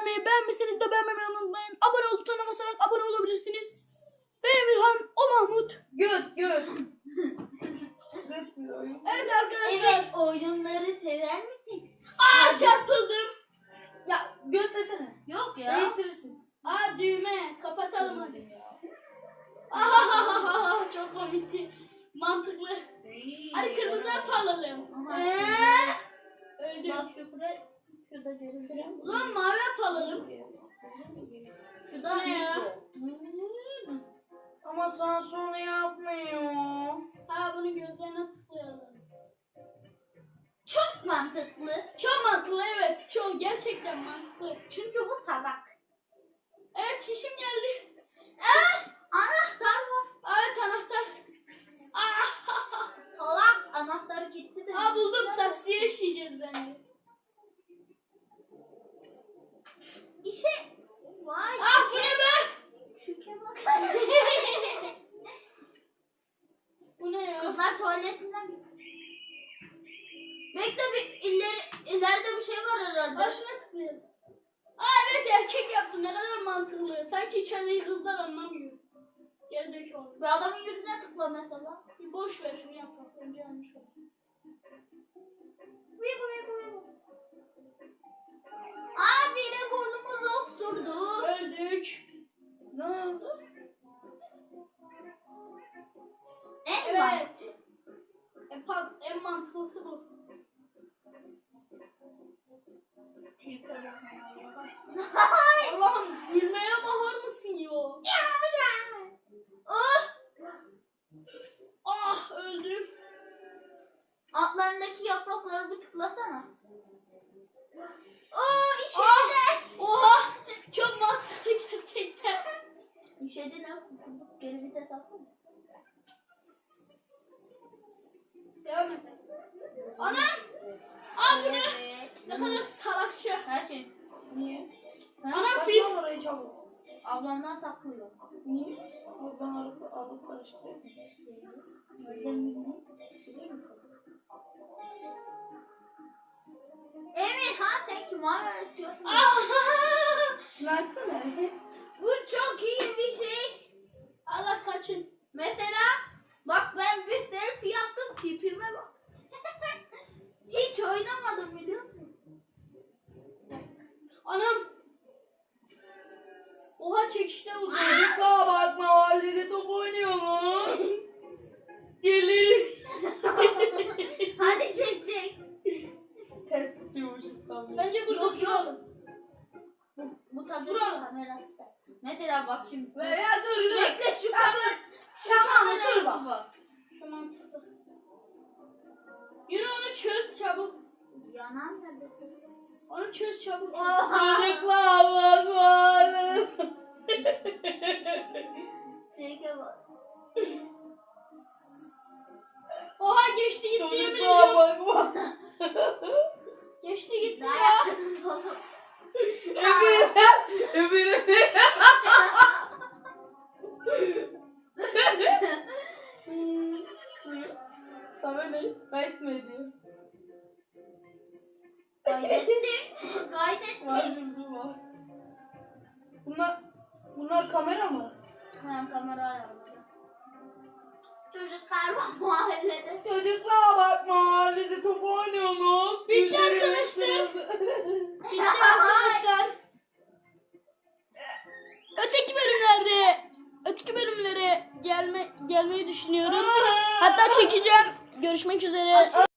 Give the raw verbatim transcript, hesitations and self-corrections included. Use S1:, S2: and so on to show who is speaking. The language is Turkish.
S1: videoyu beğenmişseniz de beğenmeyi unutmayın. Abone ol butonuna basarak abone olabilirsiniz. Ben Emirhan, o Mahmut.
S2: Göt göt.
S1: Evet arkadaşlar.
S3: Evet, oyunları sever misin?
S1: Aa çarpıldım.
S2: Ya göstersene.
S3: Yok ya.
S2: Değiştirirsin.
S1: Aa düğme. Kapatalım hadi. Ahahaha çok komikti. Mantıklı. Hadi kırmızı yapalım.
S3: Aha.
S1: Öldüm.
S3: Bak şu fre, şurada görünüyor.
S1: Ulan mavi yapalım.
S3: Şurada
S1: Ne ya?
S3: mikro.
S2: Ama sana sonra yapmıyor.
S1: Ha bunu gözlerine tıklayalım.
S3: Çok mantıklı.
S1: Çok mantıklı evet. Çok gerçekten mantıklı.
S3: Çünkü bu salak.
S1: Evet çişim geldi.
S3: Ah, anahtar var.
S1: Evet anahtar. Aa,
S3: Salak, anahtar gitti de.
S1: Aa buldum, saksıya işleyeceğiz bence.
S3: İşe. Vay.
S1: Aa bu ne be?
S3: Şüke bak.
S1: Bu ne ya?
S3: Kızlar tuvaletinden. Bekle, bir ileri, ileride bir şey var herhalde.
S1: Aa şuna tıklayalım. Aa evet erkek yaptı, ne kadar mantıklı. Sanki içeriği kızlar anlamıyor. Gerizekalı.
S3: Bir adamın yüzüne tıkla mesela.
S1: Bir boş ver şunu yapmak. Önce yanlış oldu.
S3: Vibu vibu vibu. Aa, biri burnumuzu osurdu.
S1: Öldük.
S2: Ne oldu?
S3: En var.
S1: Evet. En, pa- en mantıklısı bu. Allah'ım gülmeye bakar mısın ya?
S3: Ah!
S1: Ah öldüm.
S3: Altlarındaki yaprakları bir tıklasana. Oo, işedi.
S1: Ah! Oha! Çok mantıklı gerçekten.
S3: İşedi ne? Geri vites atsana.
S1: Devam et. Ana! Aa bu ne?
S3: Evet.
S1: Ne kadar salakça.
S3: Her şey.
S2: Niye?
S1: Ana
S2: Başla
S1: film.
S2: orayı çabuk.
S3: Ablamdan saklıyor.
S2: Niye? Oradan alıp alıp karıştırıyor.
S3: Emir, ha sen kim öğretiyorsun?
S1: Ah!
S2: Şunu açsana.
S3: Bu çok iyi bir şey.
S1: Allah kaçın.
S3: Mesela bak, ben bir selfie yaptım, tipime bak. Hiç oynamadım biliyor musun?
S1: Anam. Oha çekişte vurdu.
S2: Çocuklar bak mahallede top oynuyorlar. Gelin.
S3: Hadi çek çek.
S2: Ters tutuyormuşum tabii.
S1: Bence burada
S3: Yok, yok.
S1: duralım.
S3: Bu, bu tabii
S1: Duralım.
S3: kamerası. Mesela bak şimdi.
S2: Ya dur dur.
S3: Bekle şu kamera. Şu
S2: Tamam,
S3: kamerayı
S2: dur bak.
S3: bak.
S1: Şu mantıklı. Yürü onu çöz çabuk.
S3: Yanan nerede?
S1: Onu çöz çabuk.
S3: Oha.
S2: Çocuklar bak mahallede.
S3: Çeke bak.
S1: Oha geçti gitti yemin
S2: Çocuklar
S1: ediyorum.
S2: bak bak.
S1: Geçti gitti
S3: Daha
S1: ya.
S3: yakın oğlum.
S2: Öbür öbür. Sana ne? Kayıt mı ediyor?
S3: Kaydettim.
S2: Var
S3: Kaydettim.
S2: şimdi var. Bunlar bunlar kamera mı?
S3: Hemen kamera ayarladım. Çocuklar var mahallede.
S2: Çocuklar bak mahallede top oynuyorsunuz.
S1: Bitti arkadaşlar. Bitti arkadaşlar. Öteki bölümlerde öteki bölümlere gelme gelmeyi düşünüyorum. Hatta çekeceğim. Görüşmek üzere.